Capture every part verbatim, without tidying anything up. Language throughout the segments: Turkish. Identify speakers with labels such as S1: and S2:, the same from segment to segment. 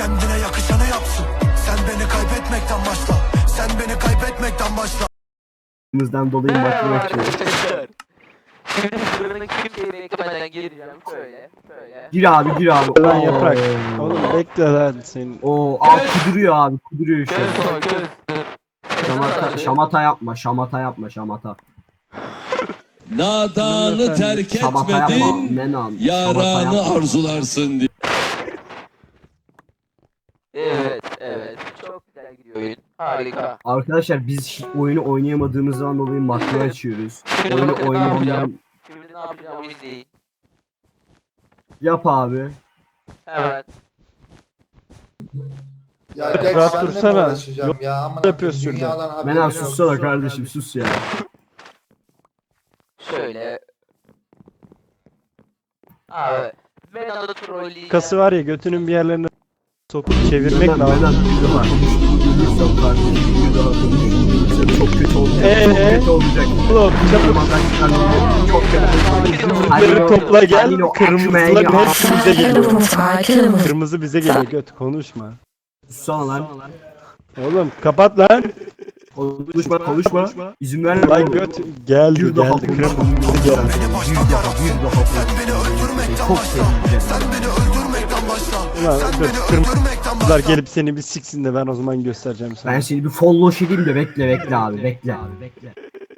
S1: kendine yakışanı yapsın. Sen beni kaybetmekten başla. Sen beni kaybetmekten başla.
S2: Bizden dolayı maçı açıyoruz.
S3: Şimdi sırrını kimseyi beklemeden gireceğim. Şöyle, şöyle.
S2: Gir abi gir abi.
S4: Lan
S2: Oo.
S4: yaprak. Oğlum bekle lan senin.
S2: Oo, aa kuduruyor abi kuduruyor şu
S3: Göz
S2: an.
S3: koy, göz.
S2: Şamata, şamata yapma şamata yapma şamata.
S5: Nadanı terk
S2: Şamata yapma.
S5: etmedin,
S2: Menan.
S5: yaranı arzularsın diye.
S3: Evet, evet. Çok güzel gidiyor oyun. Harika.
S2: Arkadaşlar biz hiç oyunu oynayamadığımızdan dolayı makro açıyoruz.
S3: Şimdi
S2: Oyunu
S3: bakın ne
S2: oynayanlar
S3: yapacağım. Şimdi ne yapacağım izleyin.
S2: yap abi.
S3: Evet.
S6: Ya Jack
S4: Rahat
S6: senle mi
S4: dursana.
S6: uğraşacağım
S4: Yok,
S6: ya? Aman
S4: yapıyorsun şurada.
S6: dünyadan haberim
S2: Menan
S6: yok.
S2: sussana kardeşim sus ya.
S3: Şöyle. Abi. Ben anda trolleyeceğim.
S4: Kası var ya götünün bir yerlerine sokup çevirmek
S2: Menan
S4: lazım.
S2: Menan bir daha konuşursan kardeşim bir daha konuşursan çok kötü olacak. Çok
S4: Ee?
S2: kötü olacak.
S4: Oğlum çabuk
S2: Çok kötü olacak.
S4: yumrukları topla gel.
S2: Halil o
S4: Kırmızıların
S2: ekmeği
S4: hepsi bize geliyor.
S7: Telefonu kill mı?
S4: Kırmızı bize geliyor göt konuşma.
S2: Sussana lan.
S4: Oğlum kapat lan.
S2: Konuşma konuşma. İzin verme.
S4: Lan
S2: oğlum.
S4: göt geldi
S2: Bir daha
S4: geldi kırmızı bize geldi.
S2: Bir daha bir daha
S1: Sen beni öldürmekten
S2: Çok
S1: başla.
S2: seveceğim.
S1: Sen beni öldürmekten başla.
S4: Ulan
S1: Sen
S4: göt
S1: beni
S4: kırmızılar
S1: öldürmekten başla.
S4: gelip seni bir siksin de ben o zaman göstereceğim sana.
S2: Ben seni bir follow edeyim de bekle bekle abi bekle abi bekle.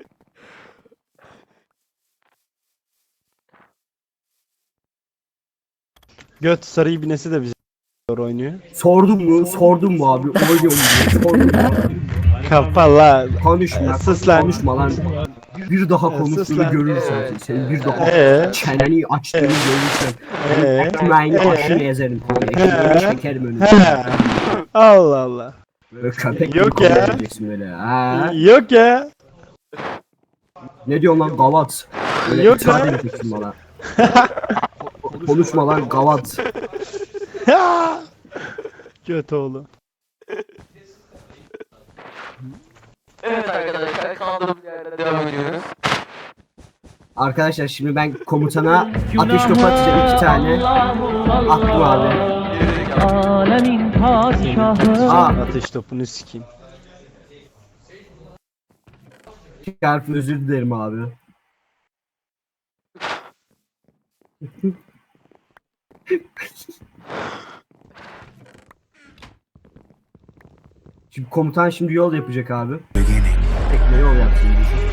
S4: Göt sarı ibnesi de bize oynuyor.
S2: Sordun mu? Sordun mu abi? Oynuyor mu diye sordun mu?
S4: Kapa la.
S2: Konuşma.
S4: Sus lan.
S2: Konuşma lan. Bir daha
S4: Sus
S2: konuştuğunu
S4: lan.
S2: görürsen senin bir daha
S4: Ee?
S2: çeneni açtığını görürsen
S4: Ee?
S2: ekmeğini
S4: Ee?
S2: aşını ezerim. Ekmeğini çekerim önüne.
S4: He. Allah Allah.
S2: Böyle köpek gibi
S4: Yok ya.
S2: konuşacaksın böyle. Ha?
S4: Yok ya.
S2: Ne diyorsun lan gavat? Böyle
S4: Yok
S2: itaat
S4: lan.
S2: edeceksin bana. Konuşma lan gavat.
S4: Göt oğlu.
S3: Evet arkadaşlar kaldığımız yerden devam ediyoruz.
S2: Arkadaşlar şimdi ben komutana ateş topu atacağım iki tane. Attım abi.
S8: Alemin padişahı.
S2: Aa,
S4: Ateş topunu sikeyim.
S2: harfi özür dilerim abi. Şimdi komutan şimdi yol yapacak abi. Tekne yol yapsın.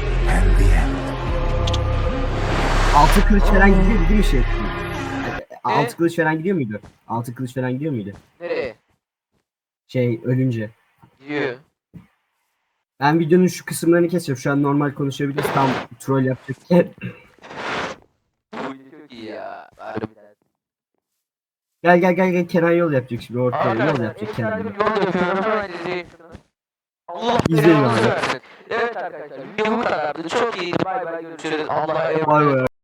S2: Altı kılıç falan gidiyor değil mi şey? Altı kılıç falan gidiyor muydu? Altı kılıç falan gidiyor muydu?
S3: Nereye?
S2: Şey ölünce.
S3: Gidiyor.
S2: Ben videonun şu kısımlarını kesiyorum. Şu an normal konuşabiliriz. Tam troll yapacakken.
S3: Bu video çok iyi ya. Harbiden.
S2: Gel gel gel gel Kenan yol yapacak şimdi ortaya yol
S3: Arkadaşlar
S2: yapacak
S3: efsane bir
S2: Kenan.
S3: yol yapıyorum. Hemen izleyin şunu. Allah
S2: İzleyin
S3: belanızı
S2: abi.
S3: versin. Evet arkadaşlar video bu kadardı. Çok iyiydi. Bay bay görüşürüz. Allah'a emanet.
S2: Vay be.